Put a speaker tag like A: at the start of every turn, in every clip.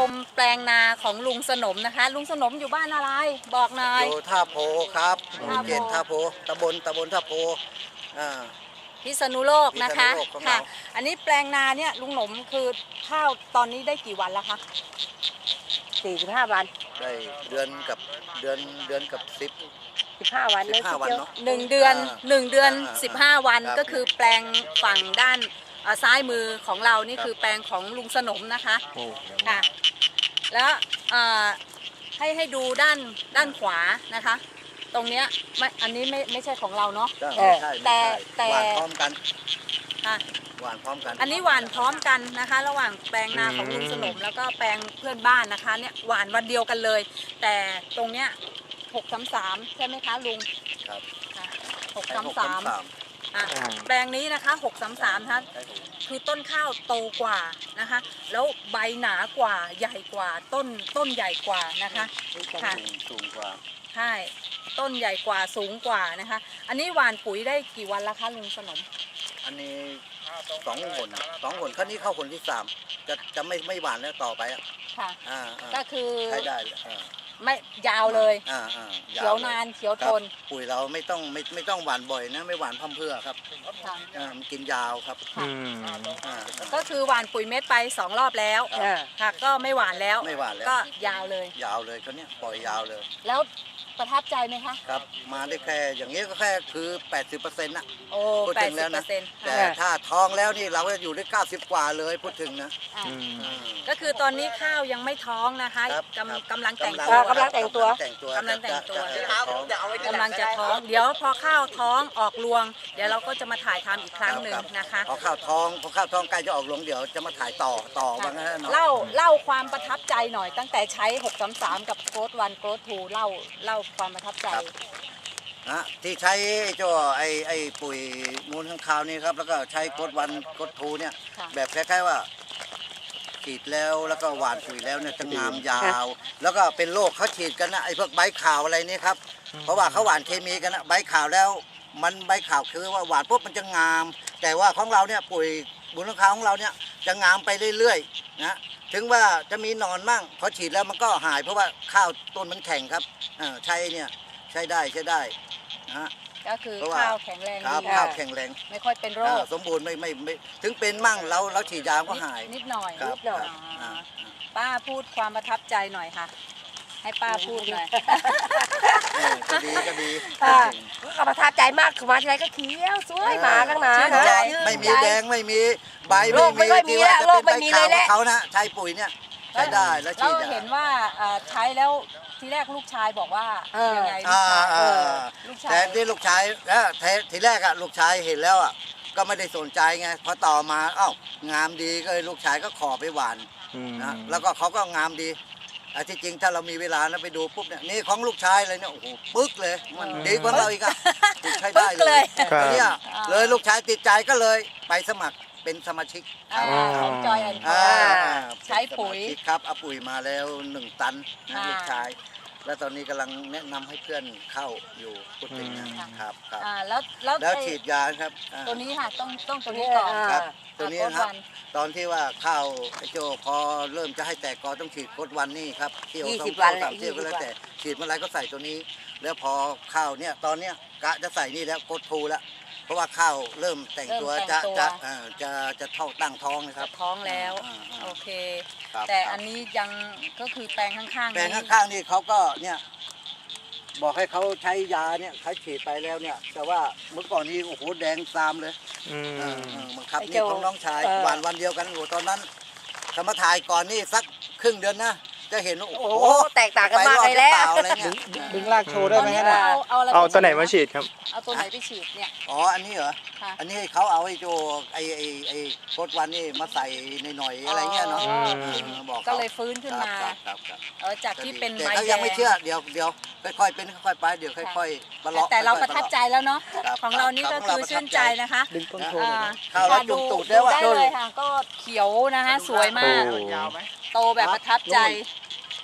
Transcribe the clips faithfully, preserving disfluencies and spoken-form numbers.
A: มแปลงนาของลุงสนมนะคะลุงสนมอยู่บ้านอะไรบอกหน่อย
B: อยู่ท่าโพครับ
A: ท่าโพ
B: เขตท่าโพตำบลตำบลท่าโพอ่า
A: พิษณุโลกนะคะ
B: พิษณุโลกของเรา
A: ค่ะอันนี้แปลงนาเนี่ยลุงหนมคือข้าวตอนนี้ได้กี่วันแล้วคะ
C: สี่สิบห้าวัน
B: ได้เดือนกับเดือนเดือนกับสิบ
C: สิบห้าวัน
B: สิบห้าวันเนาะ
A: หนึ่งเดือนหนึ่งเดือน
B: อ่า
A: สิบห้าวัน
B: ครับ
A: ก็คือแปลงฝั่งด้านเอ่อซ้ายมือของเรานี่คือแปลงของลุงสนมนะคะค่ะแล้วเอ่อให้ให้ดูด้านด้านขวานะคะ ตรงเนี้ยไม่อันนี้ไม่ไม่ใช่ของเราเนาะ
B: ไม่ใช่
A: แต่
B: ไม่ใช่
A: แต่
B: หวานพร้อมกัน
A: ค่ะ
B: หวานพร้อมกัน
A: อันนี้หวานพร้อมกันนะคะ ระหว่างแปลงนาของลุงสนมแล้วก็แปลงเพื่อนบ้านนะคะเนี่ยหวานวันเดียวกันเลย แต่ตรงเนี้ยหกสามสามใช่ไหมคะลุง
B: ครับ
A: หกสามสาม
B: ใช่หก
A: อ่ะแปลงนี้นะคะหกสามสามนะคะ
B: ใช่หก
A: คือต้นข้าวโตกว่านะคะ แล้วใบหนากว่าใหญ่กว่าต้นต้นใหญ่กว่านะคะค่ะ
B: สูงสูงกว่า
A: ใช่ต้นใหญ่กว่าสูงกว่านะคะ อันนี้หว่านปุ๋ยได้กี่วันแล้วคะลุงสนม
B: อันนี้สองหนสองหนครั้งนี้เข้าหนที่สามจะจะไม่ไม่หวานแล้วต่อไปอ่ะ
A: ค่ะ
B: อ่าอ่า
A: ก็คือ
B: ใช้ได้เลยอ่า
A: ไม่ยาวเลย
B: อ่าอ่า
A: เขียวนานเขียว
B: ค
A: ท
B: รับ
A: น
B: ปุ๋ยเราไม่ต้องไม่ไม่ต้องหวานบ่อยนะไม่หวานพร่ำเพรื่อครับ
A: ค่ะ
B: อ่ามันกินยาวครับ
A: ค่ะ
B: อ่า
A: ก็คือหว่านปุ๋ยเม็ดไปสองรอบแล้ว
C: อ่า
A: ค่ะก็ไม่หวานแล้ว
B: ไม่หวานแล้ว
A: ก็ยาวเลย
B: ยาวเลยเขาเนี้ยปล่อยยาวเลย
A: แล้วประทับใจไหมคะ
B: ครับมาได้แค่อย่างนี้ก็แค่คือ แปดสิบเปอร์เซ็นต์นะ
A: โอ้
B: พูด
A: แป
B: ถึ
A: ด
B: ง
A: สิ
B: แล้
A: บ
B: ว
A: เปอ
B: นะ
A: ร์เซ็นต์
B: แต่ถ้าท้องแล้วนี่เราก็อยู่ได้เก้าสิบกว่าเลยพูดถึงนะ อ่า
A: ก็คือตอนนี้ข้าวยังไม่ท้องนะคะ
B: ครับ
A: กำ
B: ครับ
A: กำลังแต่ง
B: กำ
A: ตัว
C: กำลังแต่งตัว
B: แต่งตัว
A: กำลังแต่งตัว
B: จะจะท้อง
A: กำลังจะท้อง เดี๋ยวพอข้าวท้องออกรวง เดี๋ยวเราก็จะมาถ่ายทำอีกครั้งหนึ่งนะคะ
B: พอข้าวท้องพอข้าวท้องใกล้จะออกหลวงเดี๋ยวจะมาถ่ายต่อต่อว่างั้นนะ
A: เล่าเล่าความประทับใจหน่อย ตั้งแต่ใช้หกสามสามกับโกดวันโกดทูเล่าเล่าความประทับใจ
B: นะที่ใช้ไอ้เจ้าไอ้ไอ้ปุ๋ยมูลข้างคาวนี่ครับแล้วก็ใช้กดวันกดทูเนี่ย
A: ค่ะ
B: แบบคล้ายๆว่าฉีดแล้วแล้วก็หว่านปุ๋ยแล้วเนี่ยจะงามยาว แล้วก็เป็นโรคเขาฉีดกันนะไอ้พวกใบขาวอะไรนี่ครับเพราะว่าเขาหว่านเคมีกันนะใบขาวแล้วมันใบขาวคือว่าหว่านปุ๊บมันจะงาม แต่ว่าของเราเนี่ยปุ๋ยมูลข้างคาวของเราเนี่ยจะงามไปเรื่อยๆนะถึงว่าจะมีหนอนมั่งพอฉีดแล้วมันก็หายเพราะว่าข้าวต้นมันแข็งครับอ่าใช้เนี่ยใช้ได้ใช้ได้นะฮะ
A: ก็คือ
B: เพราะว่า
A: ข้าวแข็งแรง
B: ครับ
A: ดี
B: ข้าวแข็งแรง
A: ไม่ค่อยเป็นโร
B: อ่า
A: ค
B: สมบูรณ์ไม่ไม่ไม่ถึงเป็นมั่งเราเราฉีดยาก็หาย
A: นิดหน่อย
B: ครับ
A: นิดหน่อย
B: ครับอ่า
A: ป้าพูดความประทับใจหน่อยค่ะ ให้ป้าพูดหน่อย
B: เออก็ดีก็ดี
C: อ่า ก็ประทับใจมากคือมาทีไรก็เขียวสวยหมาตั้งนาน
A: ชื่น
C: นะ
A: ใจ
B: ไม่มีแดงไม่มีใบ
C: โรคไม่ค่อยมี
B: ที่ว่า
C: แล้ว
B: จะ
C: โร
B: เป็
C: คน ไม่
B: ใบ
C: มี
B: ขาว
C: เลยแหละ
B: ของเขานะใช้ปุ๋ยเนี่ยใช้ได้แล้ว
A: เรา
B: ฉีดยา
A: เห็นว่าเอ่อใช้แล้วทีแรกลูกชายบอกว่า
C: เออ
A: ยังไงลู
B: อ่าก
A: ชาย
B: อ่า
A: เออลูกชาย
B: แต่ที่ลูกชายแล้วทีทีแรกอะลูกชายเห็นแล้วอะก็ไม่ได้สนใจไงพอต่อมาเอ้างามดีก็เลยลูกชายก็ขอไปหวานนะแล้วก็เขาก็งามดีอ่ะที่จริงถ้าเรามีเวลานะไปดูปุ๊บเนี่ยนี่ของลูกชายเลยเนี่ยโอ้โหปึ๊กเลยมันดีกว่าเราอีกอะใช้ได้
A: ปึ๊ก
B: เล
A: เลย ย
B: ก็เนี่ยเลยลูกชายติดใจก็เลยไปสมัครเป็นสมาชิก
A: อ่าของจอยแอนด์
B: อ่า
A: ใช้ปุ๋ย
B: เป็นสมาชิกครับเอาปุ๋ยมาแล้วหนึ่งตันนะ
A: อ่า
B: ลูกชาย แล้วตอนนี้กำลังแนะนำให้เพื่อนเข้าอยู่พูดถึงนะครับครับ
A: อ่าแล้วแล้ว
B: แล้ว
A: ไอ้
B: ฉีดยาครับอ่า
A: ตัวนี้ค่ะต้องต้องตัวนี้ก่อน
B: ครับ
A: อ่า
B: ตัวนี้
A: โค้ด
B: นะครับ
A: วัน
B: ตอนที่ว่าข้าวไอ้โจพอเริ่มจะให้แตกกอต้องฉีดโคดวันนี่ครับเที่ยว
C: ยี่
B: สอ
C: สิ
B: ง
C: บวั
B: เที่ย
C: น
B: ว
C: แหละ
B: สามเที่ยวก็แล้ว
C: ยี่สิบวัน
B: แต่ฉีดเมื่อไรก็ใส่ตัวนี้ แล้วพอข้าวเนี่ยตอนเนี้ยกะจะใส่นี่แล้วโคดทูแล้วเพราะว่าข้าวเริ่มแต่งตัว
A: เริ่มแต่
B: จะ
A: งตัว
B: จะเอ่อจะจะเท่าตั้งท้องนะครับ
A: ท้องแล้ว
B: อ่าอ่า
A: โอเค
B: ครับ
A: แต่
B: ครับ
A: อันนี้ยังก็คือแปลงข้างๆ
B: แปลง
A: นี้
B: ข้างๆนี่เขาก็เนี่ยบอกให้เขาใช้ยาเนี่ยเขาฉีดไปแล้วเนี่ย แต่ว่าเมื่อก่อนนี้โอ้โหแดงซามเลย
D: อืม
B: เออเออบังคับ
C: ไอ้
B: นี่
C: เจ้า
B: ของน้องชาย
C: เออ
B: หวานวันเดียวกันโอ้โหตอนนั้นถ้ามาถ่ายก่อนนี่สักครึ่งเดือนนะจะเห็นว่าโอ้
C: โอ้
B: โห
C: โหแตกต่างกันมากเลยแล้ว
B: ไปรอดหรือเปาอะไรเนี่ย
D: ดึงลากโชว์ได้
A: ตอน
D: ไหม
A: นี้
D: ฮะ
A: เอาเอาอะไร
D: เอาตัวไหน
A: ป
D: มาฉีดครับ
A: เอาตัวไหนไปฉีดเนี่ย
B: อ๋ออันนี้เหรอ
A: ค่ะ
B: อันนี้เขาเอาไอ้โจไอ้ไอ้ไอ้โคตรวันนี่มาใส่ในหน่อยๆอะไรเงี้ยเนาะ
A: อ๋อ
B: เออบอกขา
A: ก็เลยฟื้นขึ้นมา
B: ครับครับครับ
A: เออจากที่เป็น
B: แต่
A: ใบ
B: เขา
A: แด
B: ยัง
A: ง
B: ไม่เชื่อเดี๋ยวเดี๋ยวค่อยๆเป็นค่อยๆไปเดี๋ยวค่อยๆประเลาะ
A: แต่เรา
B: ค่อยๆ
A: ประทับใจแล้วเนาะ
B: ครับ
A: ของเรานี่ก็
B: ครับ
A: คือชื่นใจนะคะ
D: ดึงต้นโชว์หน่อย
A: อ่า
B: ข้าวเราจุ่มตูดได้ว่ะ
A: ได้เลยค่ะ ก็เขียวนะคะ สวยมาก
D: โอ้
A: โตแบบประทับใจ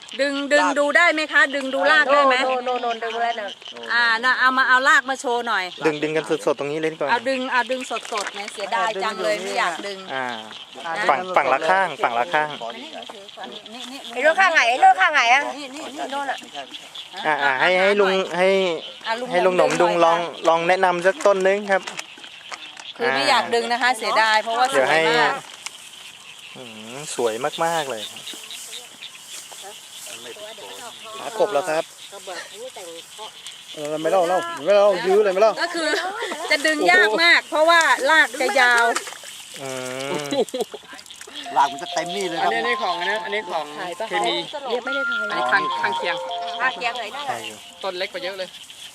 A: ดึงดึงดูได้ไหมคะ ดึงดูรากได้ไหม
C: โนโนโนนดึงแล้วนะ
A: อ่านะเอามาเอารากมาโชว์หน่อย
D: ดึงดึงกันสดๆตรงนี้เลยดีกว่า
A: เอาดึงเอาดึงสดๆเนี่ยเสียดายจังเลยไม่อยากดึง
D: อ่าฝั่งฝั่งละข้างฝั่งละข้าง
A: นี่นี่
C: ไอ้โน่นข้างไหนไอ้โน่นข้างไหนอ่ะ
A: นี่นี่
C: ไอ้โน่นอ่ะ
D: อ่าอ่าให้ให้ลุงให้
A: อ่ะ
D: ให้ลุงหนมดุงลองลองแนะนำสักต้นนึงครับ
A: คือไม่อยากดึงนะคะ เสียดายเพราะว่าส
D: เดี๋ยว
A: วย
D: ให้
A: มาก
D: อืมสวยมากๆเลยครับหากบแล้วครับ
E: เออไม่เล่าเล่าไม่เล่ายื้อเลยไม่เล่า
A: ก็คือจะดึงยากมาก เพราะว่ารากจะยาว
D: อืม
B: หลากมันจะเต็มนี่เลยค
F: อั
B: รั
F: น
B: บ
F: นี้อันนี้ของอันนี้อันนี้ของเคมี
C: เรียกไม่ได้ทาย
F: อันนี้ข้างข้างเคียง
C: ข้างเคียงเลยได้
D: ใช่อยู่
F: ต้นเล็กกว่าเยอะเลย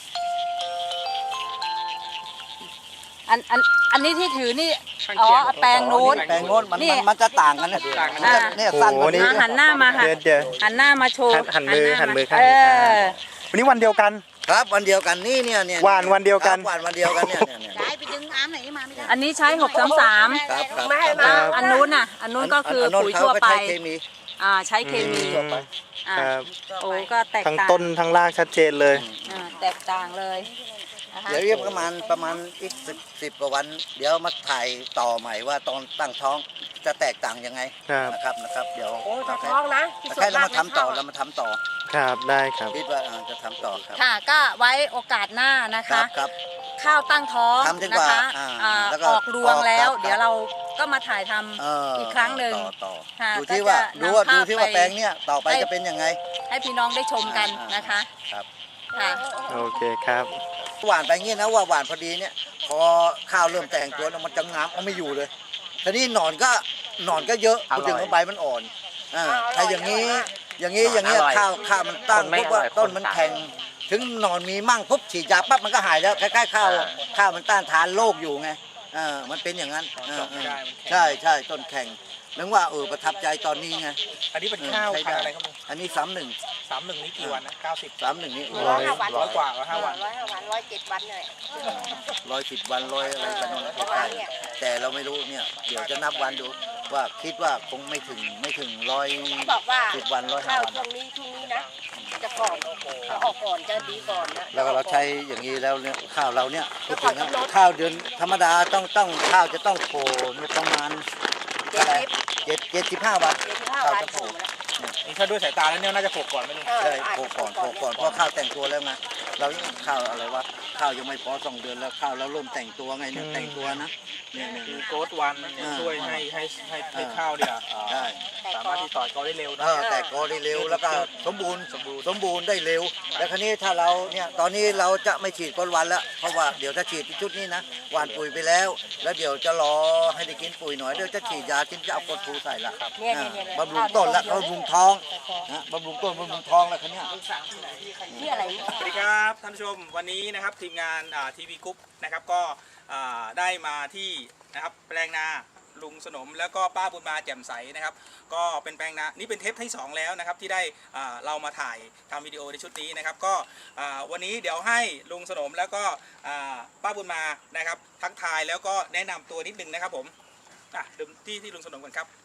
A: อันอันอันนี้ที่ถือนี่
F: ข้าง
A: อ๋อ
F: เคียง
A: แปลงนู้น
B: แปลงโน้นมัน
A: นี่
B: มันมันจะต่างกันนะ
F: ต่างกัน
B: มันจะเนี่ยสั้นกว่านี้
A: อ่ะหันหน้ามาค่ะ
D: เดี๋ยวเดี๋ยว
A: หันหน้ามาโชว์
D: หันหันมือหันมือข้าง
A: เอ
D: นี้
A: อ
D: วันนี้วันเดียวกัน
B: ครับวันเดียวกันนี่เนี่ยเนี่ย
D: หวานวันเดียวกัน
B: ครับหวานวันเดียวกันเนี่ยเนี่ยเนี่ย
A: อันนี้ใช้หกสามสาม
B: ครับครับ
C: ไม่ให้
D: ครั
C: มา
D: บ
A: อันนู้นน่ะ อันนู้นก็คือ
B: อันโน้น
A: ปุ๋ย
B: เขา
A: ทั่ว
B: ก็
A: ไป
B: ใช้เคมี
A: อ่าใช้เคมี
D: อืม
A: อ่า
D: ครับ
A: โอ้ก็แตก
D: ทั้ง
A: ต่าง
D: ต้นทั้งรากชัดเจนเลย
A: อ่าแตกต่างเลยนะคะ
B: เดี๋ยวเรียกประมาณประมาณอีกสิบสิบกว่าวัน เดี๋ยวมาถ่ายต่อใหม่ว่าตอนตั้งท้องจะแตกต่างยังไง
D: ครับ
B: นะครับนะครับเดี๋ยว
C: โอ้จะท้องนะที่สุด
B: แค่เรา
C: มาก
B: มาทำต่อเรามาทำต่อ
D: ครับได้ครับ
B: คิดว่าอ่าจะทำต่อครับ
A: ค่ะก็ไว้โอกาสหน้านะ
B: ครั
A: คะ
B: บครับ
A: ข้าวตั้งท้อง
B: ทำจน
A: นะ
B: กว่า
A: คะ
B: อ่า
A: อ่า
B: แล้วก็
A: ออกรวงแล้ว
B: ออกครับ
A: เดี๋ยวเราก็มาถ่ายทำ
B: เออ
A: อีกครั้งหนึ่ง
B: ต่อต่อ
A: ค่ะ
B: ดูที่ว่า
A: ก็จะ
B: ดูว่า
A: นำภาพ
B: ดูที่ว่า
A: ไป
B: แปลงเนี้ยต่อไป
A: ให้
B: จะเป็นยังไง
A: ให้พี่น้องได้ชมกัน
B: อ่าน
A: นะคะ
B: ครับ
A: ค่ะ
D: โอเคครับ
B: หวานไปเงี้ยนะว่าหวานพอดีเนี่ยพอข้าวเริ่มแต่งตัวแล้วมันจะงามเอาไม่อยู่เลยทีนี้หนอนก็หนอนก็เยอะพูดถึงว่าใบมันอ่อนอ่าถ้าอย่างนี้ อย่างนี้อย่างนี้ข้าวข้าวมันตั้งปุ๊บว่าต้นมันแข็งถึงหนอนมีมั่งปุ๊บฉีดยาปั๊บมันก็หายแล้วคล้ายๆข้าวข้าวมันต้านทานโรคอยู่ไงเออมันเป็นอย่างนั้นเออเออใช่ใช่ต้นแข็งนึกว่าเออประทับใจตอนนี้ไง
F: อันนี้เป็นข้าว
B: ใช้
F: พัน
B: ได้
F: ธุ์อะไรครับลุง
B: อันนี้สามหนึ่ง
F: สามหนึ่งนี่กี่วันนะเก้าสิบ
B: สามหนึ่งนี่
C: ร้อยห้าวัน
F: ร้อยกว่าร้อยห้าวัน
C: ร้อยห้าวันร้อยเจ็ดวันเลย
B: ร้อยสิบวันร้อยอะไรกันนั่นแหละ
C: ประมาณเนี่ย
B: แต่เราไม่รู้เนี่ยเดี๋ยวจะนับวันดูว่าคิดว่าคงไม่ถึงไม่ถึงร้อย
C: เขาบอกว่า
B: สิบวันร้อยห้า
C: ข้าว
B: วัน
C: ช่วงนี้ช่วงนี้นะจะก่อนจะออกก่อนจะดีก่อนนะ
B: แล้วก็เราใช้อย่างนี้แล้วเนี่ยข้าวเราเนี่ยพูดถึงนะข้าวเดือนธรรมดาต้องต้องข้าวจะต้องโผล่เนี่ยประมาณ
C: เจ็ดสิบ
B: เจ็ดเจ็ดสิบห้าวัน
C: เจ็ดสิบห้า
B: ข้าว
C: วัน
B: จะโผล่
F: นี่ถ้าด้วยสายตาแล้วเนี่ยน่าจะโผล่ก่อนไหมลุง
C: เออ
B: ใช่โผล่ก่อนโผล่ก่อนเพราะข้าวแต่งตัวแล้วไงเรายังข้าวอะไรวะข้าวยังไม่พอสองเดือนแล้วข้าวเราเริ่มแต่งตัวไงเนี่ยแต่งตัวนะเนี่ยเนี่ย
F: คือ
B: เนี่ย
F: โกดวันเนี่ยช่วยให้ให้ให้ให้ข้าวเนี่ยเอ่อ
B: ใช่
F: สามารถที่ต่อยกอได้เร็ว
B: เอ
F: นะ
B: อแต่กอได้เร็วแล้วก็สมบูรณ์สมบูรณ์สมบูรณ์ได้เร็ว แล้วคราวนี้ถ้าเราเนี่ยตอนนี้เราจะไม่ฉีดก้นวันแล้วเพราะว่าเดี๋ยวถ้าฉีดชุดนี้นะหว่านปุ๋ยไปแล้ว แล้วเดี๋ยวจะรอให้ได้กินปุ๋ยหน่อยเดี๋ยวจะฉีดยาทิ้งจะเอากดทูใส่ละ
C: เนี่ย
B: อ่า
C: เนี่ยเนี่ย
B: บำรุงต้นและบำรุงท้องนะบำรุงต้นบำรุงท้องแล้วคันนี้ย
C: นี่อะไรเนี่ย
F: สวัสดีครับท่านผู้ชมวันนี้นะครับทีมงานทีวีกรุ๊ปนะครับก็อ่าได้มาที่นะครับแปลงนาลุงสนมแล้วก็ป้าบุญมาแจ่มใสนะครับก็เป็นแปลงนานี่เป็นเทปที่สองแล้วนะครับที่ได้อ่าเรามาถ่ายทำวิดีโอในชุดนี้นะครับก็อ่าวันนี้เดี๋ยวให้ลุงสนมแล้วก็อ่าป้าบุญมานะครับทักทายแล้วก็แนะนำตัวนิดนึงนะครับผมอ่ะเดิมที่ที่ลุงสนมกันครับ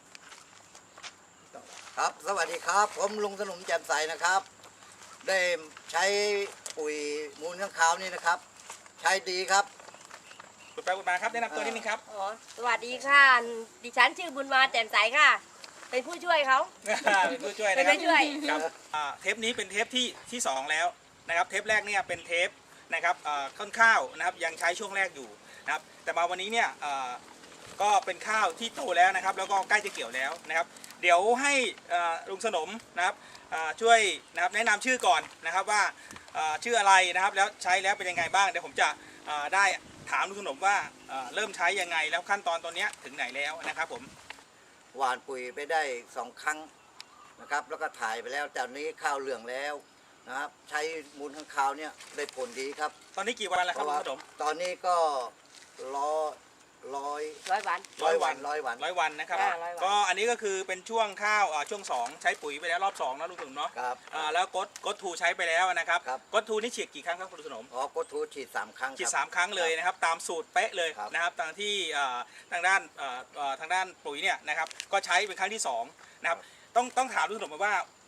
B: ครับสวัสดีครับผมลุงสนมแจ่มใสนะครับ ได้ใช้ปุ๋ยมูลข้างคาวนี่นะครับ ใช้ดีครับ
F: คุณป้าบุญมาครับแนะนำตัวนิดนึงครับ
C: อ๋อสวัสดีค่ะ ดิฉันชื่อบุญมาแจ่มใสค่ะ เป็นผู้ช่วยเขา
F: เป็นผู้ช่วย
C: เป็
F: นะ
C: น
F: ครับ
C: ผู้ช่วย
F: ครับอ่าเทปนี้เป็นเทปที่ที่สองแล้วนะครับเทปแรกเนี่ยเป็นเทปนะครับอ่าต้นข้าวนะครับยังใช้ช่วงแรกอยู่นะครับแต่มาวันนี้เนี่ยอ่าก็เป็นข้าวที่โตแล้วนะครับแล้วก็ใกล้จะเกี่ยวแล้วนะครับเดี๋ยวให้อ่าลุงสนมนะครับอ่าช่วยนะครับแนะนำชื่อก่อนนะครับว่าอ่าชื่ออะไรนะครับแล้วใช้แล้วเป็นยังไงบ้างเดี๋ยวผมจะอ่าได้ถามลุงสนมว่าอ่าเริ่มใช้ยังไงแล้วขั้นตอนตอนเนี้ยถึงไหนแล้วนะครับผม
B: หวานปุ๋ยไปได้สองครั้งนะครับ แล้วก็ถ่ายไปแล้วแต่นี้ข้าวเหลืองแล้วนะครับ ใช้มูลข้างคาวเนี่ยได้ผลดีครับ
F: ตอนนี้กี่วันแล้ว
B: เพ
F: ครับ
B: ราะ
F: ลุ
B: ว่าง
F: สนม
B: ตอนนี้ก็ร้อยร้อย
C: ร้อยวัน
B: ร้อยวันร้อยวัน
F: ร้อยวันนะครับ
C: อ่าร้อยวัน
F: ก็อันนี้ก็คือเป็นช่วงข้าวอ่าช่วงสองใช้ปุ๋ยไปแล้วรอบสองนะลุงสนมเนาะ
B: ครับ
F: อ่าแล้วกดกดทูใช้ไปแล้วนะครับ
B: ครับ
F: กดทูนี่ฉีดกี่ครั้งครับคุณสนม
B: อ๋อโกทูฉีดสามครั้ง
F: ฉีด
B: ครับ
F: สามครั้งเลยนะครับตามสูตรเป๊ะเลย
B: ครับ
F: นะครับทางที่อ่าทางด้านอ่าอ่าทางด้านปุ๋ยเนี่ยนะครับก็ใช้เป็นครั้งที่สองนะครับต้องต้องถามลุงสนมว่า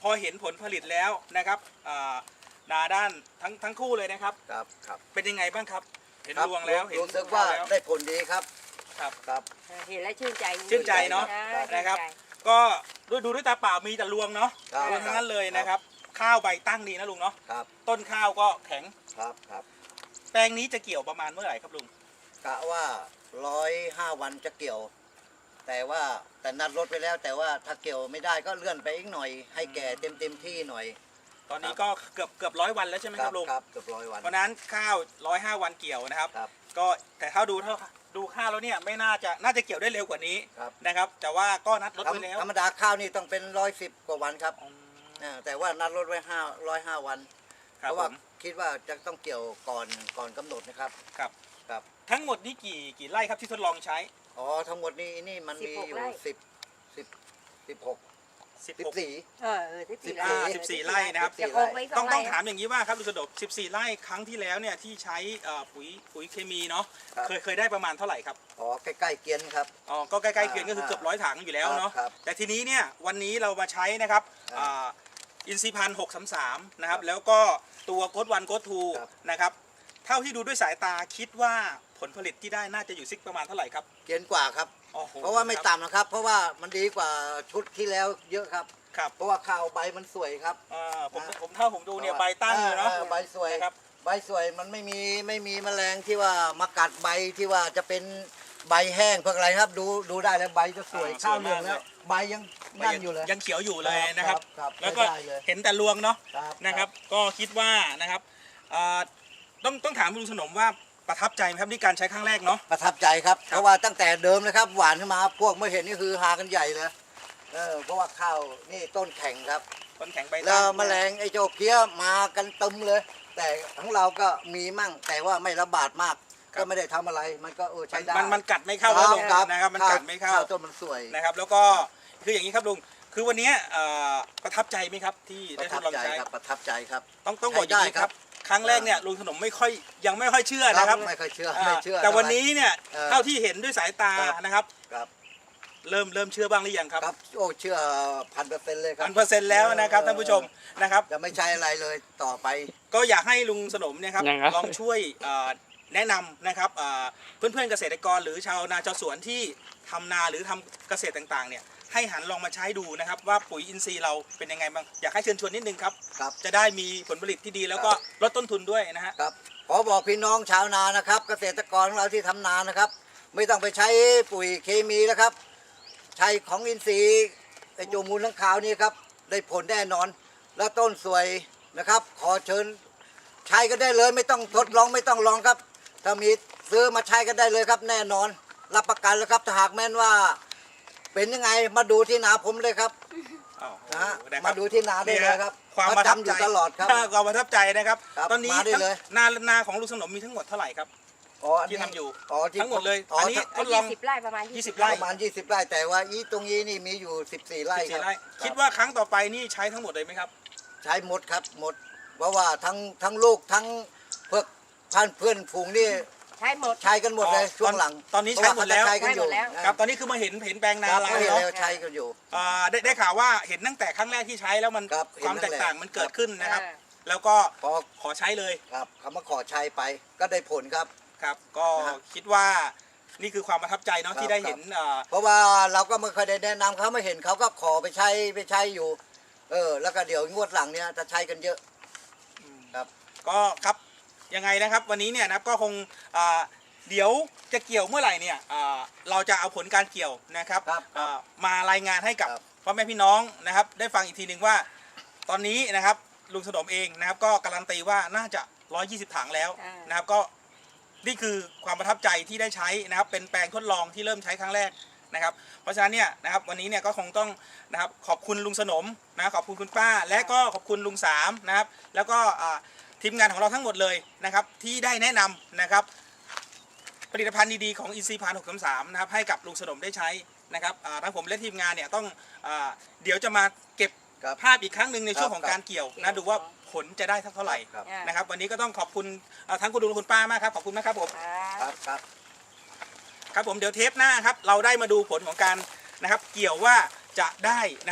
F: พอเห็นผลผลิตแล้วนะครับอ่านาด้านทั้งทั้งคู่เลยนะครับ
B: ครับครับ
F: เป็นยังไงบ้างครับ เห็น
B: ครับ
F: รวงแล้วเห็น
B: รู้สึกว่า
F: แล้ว
B: ได้ผลดีครับ
F: ครับ
B: ครับ
C: เห็นแล้วชื่นใจ
F: ชื่นใจเนอะ
C: ชื่ใจ
F: นะครับ ก็ดูดูด้วยตาเปล่ามีแต่รวงเนาะ
B: ครับ
F: รวงทั้งนั้นเลยนะครับ ข้าวใบตั้งดีนะลุงเนาะ
B: ครับ
F: ต้นข้าวก็แข็ง
B: ครับครับ
F: แปลงนี้จะเกี่ยวประมาณเมื่อไหร่ครับลุง
B: กะว่าร้อยห้าวันจะเกี่ยว แต่ว่าแต่นัดรถไปแล้ว แต่ว่าถ้าเกี่ยวไม่ได้ก็เลื่อนไปอีกหน่อย ให้แก่เต็มเต็มที่หน่อย
F: ตอนนี้ก็เกือบเกือบร้อยวันแล้วใช่ไหมครับลุง
B: ครับเกือบร้อยวัน
F: เพราะฉะนั้นข้าวร้อยห้าวันเกี่ยวนะครับ
B: ครับ
F: ก็แต่ถ้าดูเท่าดูข้าวแล้วเนี่ยไม่น่าจะน่าจะเกี่ยวได้เร็วกว่านี้
B: ครับ
F: นะครับ แต่ว่าก็นัดรถ
B: ธรร
F: ไว้
B: ม
F: แล้ว
B: ธรรมดาข้าวนี่ต้องเป็นร้อยสิบกว่าวันครับ
F: อืม
B: อ่าแต่ว่านัดรถไว้ห้าร้อยห้าวัน
F: ครั
B: เพ
F: บ
B: ราะ
F: ผ
B: ว่าม คิดว่าจะต้องเกี่ยวก่อนก่อนกำหนดนะครับ
F: ครับ
B: ครับ
F: ทั้งหมดนี่กี่กี่ไร่ครับที่ทดลองใช้
B: อ๋อทั้งหมดนี้นี่มันมีอยู่สิบสิบสิบหก
F: สิบ
B: สิบ
F: หก
B: สี่
C: เออเออสิบสี่
B: อ่า
C: ไร่
F: สิบสี่ไร่นะครับ
C: จะคงไว้ส
F: ต้
C: อ
F: อง
C: ง
F: ต้อง
C: ไร่
F: ถามอย่างนี้ว่าครับลุงสะดบสิบสี่ไร่ครั้งที่แล้วเนี่ยที่ใช้เอ่อปุ๋ยปุ๋ยเคมีเนาะ
B: ครับ
F: เคยเคยได้ประมาณเท่าไหร่ครับ
B: อ๋อใกล้ๆเกียนครับ
F: อ๋อก็ใกล้ๆเคียงก็คือ
B: อ่า
F: เกือบร้อยถังอยู่แล้วเนาะ
B: ครับ
F: แต่ทีนี้เนี่ยวันนี้เรามาใช้นะครับ
B: ครับ
F: อ่าอินทรีย์พันหกสามสามนะครับ
B: ครับ
F: แล้วก็ตัวโค้ดวันโค้ดทู
B: ครับ
F: นะครับเท่าที่ดูด้วยสายตาคิดว่าผลผลิตที่ได้น่าจะอยู่ซิกประมาณเท่าไหร่ครับ
B: เกียนกว่าครับ
F: โอ้โห
B: เพราะว่าไม่ต่ำนะครับ เพราะว่ามันดีกว่าชุดที่แล้วเยอะครับ
F: ครับ
B: เพราะว่าข้าวใบมันสวยครับ
F: อ่าผม
B: นะ
F: ผมเท่าผมดูเนี่ยใบตั้งเลยเนาะ
B: ออใบสวย
F: นะครับ
B: ใบสวยมันไม่มีไม่มีแมลงที่ว่ามากัดใบที่ว่าจะเป็นใบแห้งพวกอะไรครับ ดูดูได้แล้วใบจะสวย
F: อ่า
B: ข้าว
F: สวย
B: เหลือง
F: มาก
B: แล้ว
F: เลย
B: ใบยังนั่นอยู่เลย
F: ยังเขียวอยู่เลยนะครับ
B: ครับ
F: แล้วก็
B: ได้เลย
F: เห็นแต่รวงเนาะ
B: ครับ
F: นะครับ ก็คิดว่านะครับอ่าต้องต้องถามลุงสนมว่าประทับใจไหมครับที่การใช้ครั้งแรกเนาะ
B: ประทับใจครับ เพราะว่าตั้งแต่เดิมเลยครับ หวานขึ้นมาพวกเมื่อเห็นนี่คือหากันใหญ่เลยเออเพราะว่าข้าวนี่ต้นแข็งครับ
F: ต้นแข็งใบ
B: แล้
F: ตั้
B: ว
F: ง
B: แมลงไอ้เจ้าเพี้ยมากันตึมเลย แต่ของเราก็มีมั่งแต่ว่าไม่ระบาดมาก ก็ไม่ได้ทำอะไรมันก็เออ
F: มั
B: ใช้
F: น
B: ได้
F: มันมันกัดไม่เข้า
B: ค
F: แล้ว
B: รับ
F: ลุง
B: ครับ
F: นะครับมันกัดไม่เข้า
B: ข้าวต้นมันสวย
F: นะครับ แล้วก็คืออย่างนี้ครับลุงคือวันเนี้ยเอ่อประทับใจไหมครับที่
B: ป
F: ได้
B: ระ
F: ท
B: ทั
F: ด
B: บ
F: ลอง
B: ใจ
F: ใช้
B: ครับประทับใจครับ
F: ต้องต้องบอกอย่างนี้
B: ใช้ได้
F: ค
B: ครั
F: รับ บครั้งแรกเนี่ยลุงสนมไม่ค่อยยังไม่ค่อยเชื่อนะครับ
B: ไม่ค่อยเชื่อ
F: อ่า
B: ไม่เชื่อ
F: แต่วัน
B: เท่าไหร่
F: นี้เนี่ย
B: เออ
F: เท่าที่เห็นด้วยสายตา
B: ครับ
F: นะครับ
B: ครับ
F: เริ่มเริ่มเชื่อบ้างหรือยังครับ
B: ครับโอ้เชื่อพันเปอร์เซ็นต์เลยครั
F: พั
B: บ
F: นเปอร์เซ็นต์แล้วนะครับท่านผู้ชมนะครับ
B: จะไม่ใช้อะไรเลยต่อไป
F: ก็อยากให้ลุงสนมเนี่ยครับ
D: ยังไง
F: ลองช่วยเอ่อแนะนำนะครับเอ่อเพื่อนๆเกษตรกรหรือชาวนาชาวสวนที่ทำนาหรือทำเกษตรต่างๆเนี่ยให้หันลองมาใช้ดูนะครับว่าปุ๋ยอินทรีย์เราเป็นยังไงบ้างอยากให้เชิญชวนนิดนึงครับ
B: ครับ
F: จะได้มีผลผลิตที่ดีแล้วก็ลดต้นทุนด้วยนะฮะ
B: ครับขอบอกพี่น้องชาวนานะครับ เกษตรกรของเราที่ทำนานะครับ ไม่ต้องไปใช้ปุ๋ยเคมีแล้วครับ ใช้ของอินทรีย์ไอโจมูลทั้งขาวนี่ครับได้ผลแน่นอน แล้วต้นสวยนะครับ ขอเชิญใช้กันได้เลย ไม่ต้องทดลองไม่ต้องลองครับ ถ้ามีซื้อมาใช้กันได้เลยครับ แน่นอน รับประกันแล้วครับถ้าหากแม้นว่า เป็นยังไงมาดูที่นาผมเลยครับ
F: อ้าว
B: นะฮะ
F: นะครับ
B: มาดูที่นาได้เลยครับ
F: ความประทับ
B: จำอ
F: ใจ
B: ยู่ตลอดครับ
F: ความประทับใจนะครับ
B: ครับ
F: ตอนนี้
B: มาได้เลย
F: นานาของลุงสนมมีทั้งหมดเท่าไหร่ครับ
B: อ๋ออัน
F: ที่
B: นี้
F: ทำอยู่
B: อ๋อที่
F: ทั้งหมดเลย
B: อ๋อ
F: อันนี้
B: ทั้ง
F: ทดลอง
C: ยี่สิบไร่ประมาณ
F: ยี่สิบ
C: ไร่
F: ไร่
B: ประมาณยี่สิบไร่แต่ว่าอีตรงนี้นี่มีอยู่สิบสี่ไร่
F: สิบ
B: ค
F: สี่
B: รับ
F: ไร่คิดว่าครั้งต่อไปนี่ใช้ทั้งหมดเลยไหมครับ
B: ใช้หมดครับหมด เพราะว่าทั้งทั้งลูกทั้งเพื่อพันเพื่อนฝูงนี่
C: ใช้หมด
B: ใช้กันหมดเลย
F: อ๋อ
B: ช่วงหลัง
F: ตอนนี้ใช้หมดแล้ว
B: เพราะาเขาจะใช้กันอยู่
C: ใช้หมดแล้ว
F: ครับตอนนี้คือมาเห็นเห็นแปลงนา
B: ครับ
F: เรา
B: เขาเห็น
F: เนาะ
B: แล้วใช้กันอยู่
F: อ่าได้ได้ข่าวว่าเห็นตั้งแต่ครั้งแรกที่ใช้แล้วมัน
B: ครับ
F: ความ
B: เห็นตั้
F: แต
B: ง
F: ก
B: แต่
F: ต่างมันเกิดขึ้นนะครับ
C: อ่า
F: แล้วก็
B: พอ
F: ขอใช้เลย
B: ครับเขามาขอใช้ไปก็ได้ผลครับ
F: ครับ ก็
B: นะ
F: คิดว่านี่คือความประทับใจเนาะ
B: ครับ
F: ที่ได้เห็นอ่า
B: เพราะว่าเราก็ไม่เคยได้แนะนำเขาไม่เห็นเขาก็ขอไปใช้ไปใช้อยู่ เออ แล้วก็เดี๋ยวงวดหลังเนี่ยจะใช้กันเยอะครับ
F: ก็ครับยังไงนะครับวันนี้เนี่ยนะครับก็คงอ่าเดี๋ยวจะเกี่ยวเมื่อไหร่เนี่ยอ่าเราจะเอาผลการเกี่ยวนะครับ
B: ครับ
F: อ่ามารายงานให้กับ
B: ครับ
F: พ่อแม่พี่น้องนะครับ ได้ฟังอีกทีหนึ่งว่า ตอนนี้นะครับลุงสนมเองนะครับ ก็การันตีว่าน่าจะหนึ่งร้อยยี่สิบถังแล้ว
C: อ่าน
F: นะครับก็นี่คือความประทับใจที่ได้ใช้นะครับ เป็นแปลงทดลองที่เริ่มใช้ครั้งแรกนะครับ เพราะฉะนั้นเนี่ยนะครับวันนี้เนี่ยก็คงต้องนะครับขอบคุณลุงสนมนะขอบคุณคุณป้า และก็ขอบคุณลุงสามนะครับ แล้วก็อ่าทีมงานของเราทั้งหมดเลยนะครับ ที่ได้แนะนำนะครับ ผลิตภัณฑ์ดีๆของอินซีพานหกสามสามนะครับให้กับลุงสนมได้ใช้นะครับอ่าทั้งผมและทีมงานเนี่ยต้องอาเดี๋ยวจะมาเก็บ
B: ครับ
F: ภาพอีกครั้งหนึ่งในช่วง
B: ครับ
F: ของการเกี่ยว
C: เกี่
F: นะ
C: ยว
F: ดูว่าผลจะได้สักเท่าไหร่
B: ครับ
C: อ่า
F: นะครับ วันนี้ก็ต้องขอบคุณอ่าทั้งคุณลุงและคุณป้ามากครับขอบคุณนะครับผม
C: ครับ
B: ครับครับ
F: ครับผมเดี๋ยวเทปหน้าครับเราได้มาดูผลของการนะครับ เกี่ยวว่าจะได้นะครับ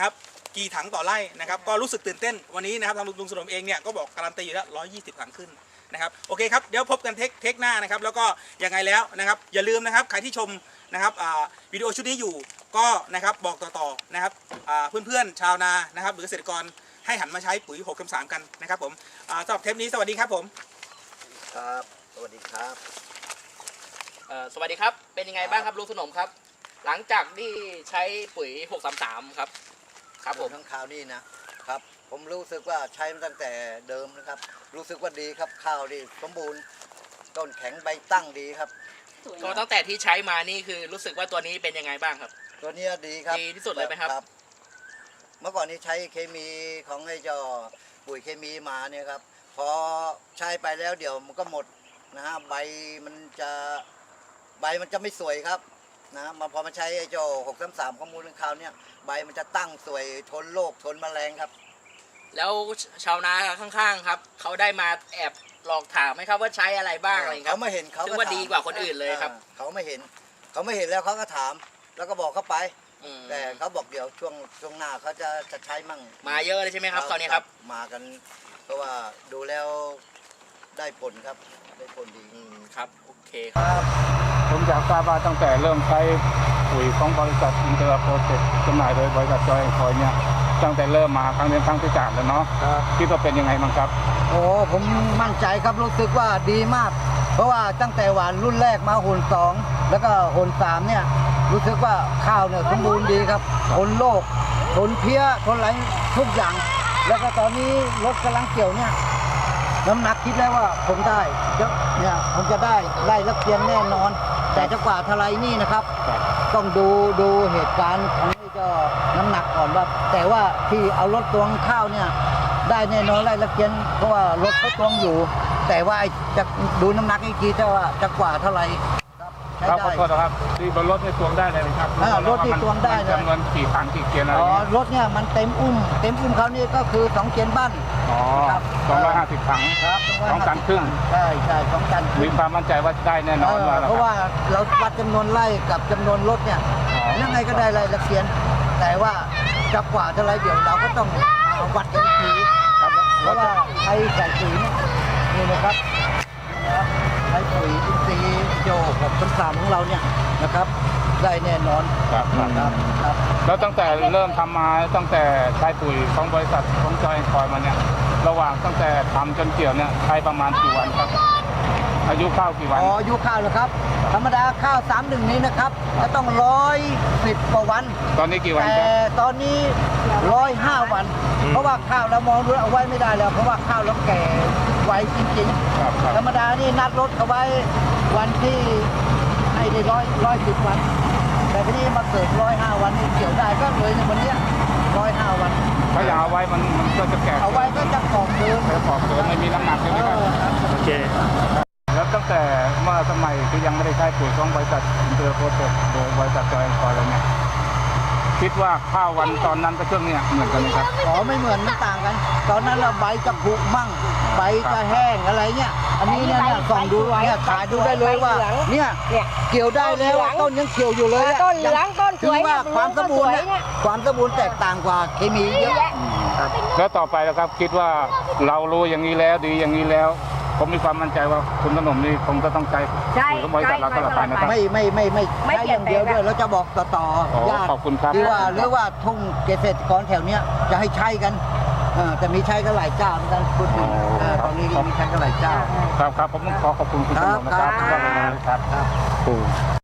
F: กี่ถังต่อไร่นะครับก็รู้สึกตื่นเต้นวันนี้นะครับทางลุงสนมเองเนี่ยก็บอกการันตีอยู่แล้วร้อยยี่สิบถังขึ้นนะครับโอเคครับเดี๋ยวพบกันเทคเทคหน้านะครับแล้วก็ยังไงแล้วนะครับอย่าลืมนะครับใครที่ชมนะครับวิดีโอชุดนี้อยู่ก็นะครับบอกต่อๆนะครับเพื่อนๆชาวนานะครับหรือเกษตรกรให้หันมาใช้ปุ๋ยหกสามสามกันนะครับผมสำหรับเทปนี้สวัสดีครับผม
B: ครับสวัสดีครับ
G: เอ่อสวัสดีครับ เป็นยังไงบ้างครับลุงสนมครับ หลังจากที่ใช้ปุ๋ยหกสามสามครับ ครับผม
B: ทั้งข่าวนี่นะครับ ผมรู้สึกว่าใช้มาตั้งแต่เดิมนะครับ รู้สึกว่าดีครับข้าวดีสมบูรณ์ต้นแข็งใบตั้งดีครับ
G: ก็ตั้งแต่ที่ใช้มานี่คือรู้สึกว่าตัวนี้เป็นยังไงบ้างครับ
B: ตัวเนี้ยดีครับ
G: ดีที่สุดเลยไหมครับ
B: เมื่อก่อนนี้ใช้เคมีของไอ้เจ้าปุ๋ยเคมีมาเนี่ยครับพอใช้ไปแล้วเดี๋ยวมันก็หมดนะฮะใบมันจะใบมันจะไม่สวยครับนะมาพอมาใช้ไอ้เจ้าหกสามสามข้อมูลข่าวเนี่ยใบมันจะตั้งสวยทนโรคทนแมลงครับ
G: แล้วชาวนาข้างๆครับเขาได้มาแอบหลอกถามไหมครับว่าใช้อะไรบ้างอะไรอย่างเงี้ยค
B: เขา
G: รับ
B: ไม่เห็นเขา
G: ซึ่งว่าดีกว่าคนอื่นเลยครับ
B: อ่าเขาไม่เห็น เขาไม่เห็นแล้วเขาก็ถามแล้วก็บอกเขาไป
G: อืม
B: แต่เขาบอกเดี๋ยวช่วงช่วงหน้าเขาจะจะใช้มั่ง
G: มาเยอะเลยใช่ไหมครับคราวนี้ครับ
B: มากันเพราะว่าดูแล้วได้ผลครับได้ผลดี
G: อืมครับโอเคครับ
E: ผมอยากทราบว่าตั้งแต่เริ่มใช้ปุ๋ยของบริษัทอินเตอร์โปรเจกต์จำหน่ายโดยบริษัทจอยแอนด์คอยเนี่ยตั้งแต่เริ่มมาครั้งนี้ครั้งที่สามแล้วเนาะคิดว่าเป็นยังไงบ้างครับ
B: โอ้ผมมั่นใจครับรู้สึกว่าดีมาก เพราะว่าตั้งแต่หวานรุ่นแรกมาหนสองแล้วก็หนสามเนี่ยรู้สึกว่าข้าวเนี่ยสมบูรณ์ดีครับทนโรคทนเพี้ยทนอะไรทุกอย่าง แล้วก็ตอนนี้รถกำลังเกี่ยวเนี่ยน้ำหนักคิดแล้วว่าผมได้จะเนี่ยผมจะได้ไล่ละเกียนแน่นอน แต่จะกว่าทลายนี่นะครับ ต้องดูดูเหตุการณ์ของนี่ก็น้ำหนักก่อนว่า แต่ว่าที่เอารถตวงข้าวเนี่ยได้แน่นอนไล่ละเกียนเพราะว่ารถเขาตวงอยู่ แต่ว่าไอ้จะดูน้ำหนักอีกทีจะว่าจะกว่าเท่าไหร่ครับ
E: ครับขอโทษนะครับที่บนรถในตวงได้เลยครับ
B: อ่ารถที่ตวงได้เลย
E: จำนวนกี่ถังกี่เกียร์อะไร
B: อ๋อ
E: เงี้ย
B: รถเนี่ยมันเต็มอุ้ม เต็มอุ้มเขานี่ก็คือสองเกียนบ้าน
E: อ๋อ
B: ครับ
E: สองร้อยห้าสิบถัง
B: ครับ
E: สองตันครึ่ง
B: ใช่ใช่สองตันค
E: มี
B: รึ่ง
E: ความมั่นใจว่าได้แน่นอน
B: เออ
E: ว่าแล้ว
B: เพราะ
E: ค
B: ว่า
E: รับ
B: เราวัดจำนวนไร่กับจำนวนรถเนี่ย
E: อ๋อ
B: ยังไงก็ได้ไร่ละเกียน แต่ว่าจะกว่าเท่าไรเดี๋ยวเราก็ต้องเอาวัดกันอีกทีครับเพราะว่าใช้ใส่ปุ๋ยเนี่ยนี่นะครับนี่นะครับใช้ปุ๋ยอินทรีย์โยกกับต้นสามของเราเนี่ยนะครับ ได้แน่นอน
E: ครับครับ
B: ครับครับ
E: แล้วตั้งแต่เริ่มทำมาตั้งแต่ใช้ปุ๋ยของบริษัทของจอยแอนด์คอยมาเนี่ยระหว่างตั้งแต่ทำจนเกี่ยวเนี่ยใช้ประมาณกี่วันครับ อายุข้าวกี่วัน
B: อ๋ออายุข้าวเหรอครับ ธรรมดาข้าวสามหนึ่งนี้นะครับจะต้องร้อยสิบกว่าวัน
E: ตอนนี้กี่วัน
B: แต่
E: ครับ
B: ตอนนี้ร้อยห้าวัน เพราะว่าข้าวเรามองดูเอาไว้ไม่ได้แล้ว เพราะว่าข้าวเราแก่ไวจริง
E: ครับค
B: ๆ ธ
E: รั
B: ร
E: บ
B: รมดานี่นัดรถเอาไว้วันที่ให้ได้ร้อยร้อยสิบวัน แต่ทีนี้มาเกิดร้อยห้าวันนี่เกี่ยวได้ก็เลยในวันเนี้ยร้อยห้าวัน
E: ถ้าอยากเอาไว้มันมันก็จะแก่
B: เอาไว้ก็จะกรอบเดิม
E: แต่ขอบเกินไม่มีน้ำหนักใช่ไหมครับ
B: เออครับ
D: โอเค
E: แล้วตั้งแต่เมื่อสมัยที่ยังไม่ได้ใช้ปุ๋ยของบริษัทอินเตอร์โปรเจกต์โดยบริษัทจอยแอนด์คอยอะไรเนี่ยคิดว่าข้าววันตอนนั้นกับช่วงเนี้ยเหมือนกันไหมครับ
B: อ๋อไม่เหมือนมันต่างกัน ตอนนั้นเราใบจะผุมั่งใบจะแห้งอะไรเงี้ยอันนี้เนี่ยเนี่ยส่องดูเนี่ยถ่ายดูได้เลยว่าเนี่ย
C: เนี่ย
B: เกี่ยวได้แล้วอะต้นยังเกี่ยวอยู่เลยอะ
C: ต้นเหลืองต้นส
B: ถื
C: วย
B: อว่าความสมบูรณ์
C: เนี่
B: เนี่ย ยความสมบูรณ์แตกต่างกว่าเคมีเยอะ
E: แล้วต่อไปนะครับคิดว่าเรารู้อย่างนี้แล้วดีอย่างนี้แล้ว ผมมีความมั่นใจว่าคุณขนมนี่คงจะต้องใจ
C: ใช่
E: ปุ๋ยของบริษัทเราตลอดไปนะครับ
B: ไม่ไม่ไม่ไม่
C: ไม่
B: ใช่
C: เปลี่
B: อย
C: น
B: ย่างเดียว
C: แปลง
B: ด้วยเราจะบอกต่อต่อ
E: อ๋อ
B: ญาติ
E: ขอบคุณครับ
B: หรือว่าหรือว่าทุ่งเกษตรกรแถวเนี้ยจะให้ใช้กันเออแต่มีใช้กันหลายเจ้าเหมือนกันพูดถึงเออตอนนี้มีใช้กันหลายเจ้า
E: ครับครับผมต้องขอขอบคุณคุณขนมนะครับ
B: ครับ
E: ครับครับโอ้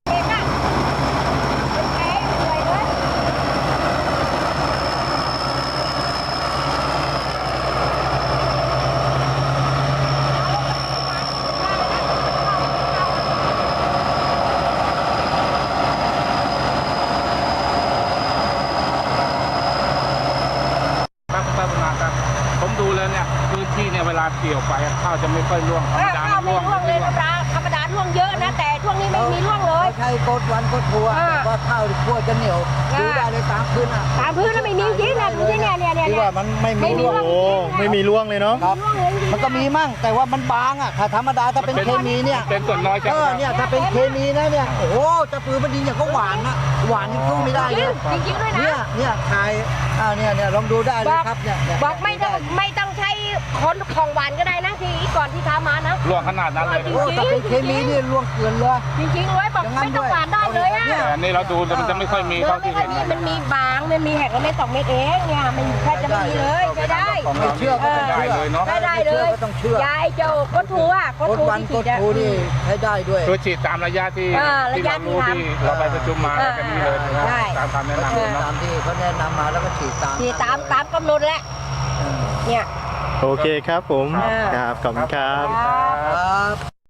E: ครับคุณป้าบุญมาครับ ผมดูแล้วเนี่ยพื้นที่เนี่ยเวลาเกี่ยวไปข้าวจะไม่ค่อยร่วงธรรมดา
C: ข้าว
E: ร่
C: ไม่
E: วง
C: ร่วงเลย
E: ไม่
C: ธรรมดาธรรมดาร่วงเยอะนะ แต่ช่วงงนี้ไม่มีร่วงเลย
B: ใช่กดวันกดทัว
C: อ่า
B: แต่ว่าข้าวขั้วจะเหนียว
C: อ่า
B: ดูได้เลยตามพื้นอ่ะ
C: ตามพื้นแล้วไม่มีจริงนะดูที่เนี่ยเนี่ยเนี่ย
B: ที่ว่ามันไม่มี
C: ไม่มี
B: ร่วง
D: โอ้ไม่มีร่วงเลยเนาะ
B: ครับ
C: ร่วงเลยจริงๆ
B: มันก็มีมั่งแต่ว่ามันบางอ่ะถ้าธรรมดาถ้าเป็นเคมีเนี่ย
E: เป็นส่วนน้อยใช่
B: เอ
E: ไหม
B: อเนี่ยถ้าเป็นเคมีนะเนี่ยโอ้โหจะปืนมันดีอย่างก็หวานนะหวานนี่สู้ไม่ได้
C: จริ
B: เล
C: ง
B: ย
C: จริงๆด้วยนะ
B: เนี่ยเนี่ยถ่ายอ่าเนี่ยเนี่ยลองดูได้เลยครับเนี่ยเนี่ย
C: บอกไม่ต้องไม่ต้องใช้คนของหวานก็ได้นะที่ก่อนที่ทำมานะ
E: ร่วงขนาดนั้นเลย
C: จริง
B: โอ้ถ้าเป็นเคมีนี่ล่วงเกินเลย
C: จริงๆเลยบอก
B: อย่างนั้น
C: ไม่ต้อง
B: ด้วย
C: หวานได้เลยอ่ะ
B: เนี่ย
E: แต่อันนี้เราดูแต่มันจะไม่ค่อยมี
C: เนื้อ
E: เท่า
C: ไม่
E: ที่
C: ค่อ
E: เห็
C: ย
E: น
C: มีมันมีบางมันมีแหกละเม็ดสองเม็ดเองเนี่ยมันแค่จะไม่มีเลยใช้ได้
E: ของ
B: ไม่
E: เรา
B: เชื่อก็ต้อง
E: ได้
B: เชื่อ
E: เลยเนาะ
C: ใช้ได้เลย
B: ก็ต้องเชื่อย
C: ายเจ้าก้นทูอ่ะก้น
B: กด
C: ทู
B: วัน
C: ที่
B: ก
C: ฉี
B: ด
C: ดอ่ะ
B: ทูนี่ให้ได้ด้วย
E: คือฉีดตามระยะที่
C: อ่า
E: ที่
C: ระยะ
E: เรารู้
C: ที่
E: ที่
C: ทำ
E: เราไปประชุมมา
C: อ่า
E: กันนี้เลยนะ
C: ใช่
E: ตามคำแนะนำ
B: ฉี
E: เลย
B: ด
E: เนาะ
B: ตามที่เขาแนะนำมาแล้วก็ฉีดตาม
C: ฉีดตามตามกำหนดแหละเนี่ย
D: โอเคครับผม
C: อ่า
D: ครับขอบคุณครับ
C: ครับ
B: ครับ